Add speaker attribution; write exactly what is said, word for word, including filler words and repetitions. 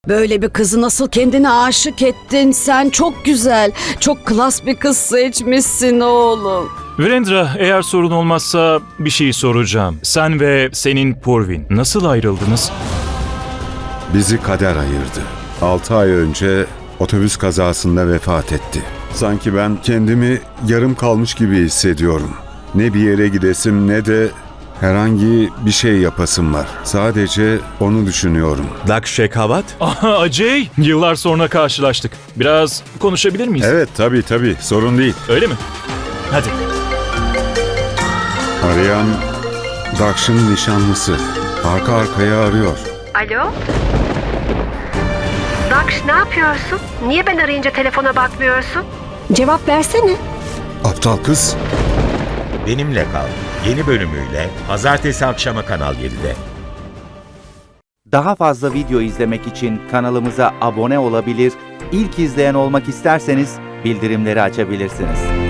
Speaker 1: Böyle bir kızı nasıl kendine aşık ettin sen? Çok güzel, çok klas bir kız seçmişsin oğlum.
Speaker 2: Virendra, eğer sorun olmazsa bir şey soracağım. Sen ve senin Purvin nasıl ayrıldınız?
Speaker 3: Bizi kader ayırdı. Altı ay önce otobüs kazasında vefat etti. Sanki ben kendimi yarım kalmış gibi hissediyorum. Ne bir yere gidesim ne de herhangi bir şey yapasım var. Sadece onu düşünüyorum.
Speaker 4: Daksh Shekhawat?
Speaker 2: Aha, Acey, yıllar sonra karşılaştık. Biraz konuşabilir miyiz?
Speaker 3: Evet tabii tabii sorun değil.
Speaker 2: Öyle mi? Hadi.
Speaker 3: Arayan Daksh'ın nişanlısı. Arka arkaya arıyor.
Speaker 5: Alo? Daksh, ne yapıyorsun? Niye ben arayınca telefona bakmıyorsun? Cevap versene.
Speaker 3: Aptal kız.
Speaker 4: Benimle Kal yeni bölümüyle pazartesi akşamı Kanal yedide.
Speaker 6: Daha fazla video izlemek için kanalımıza abone olabilir, ilk izleyen olmak isterseniz bildirimleri açabilirsiniz.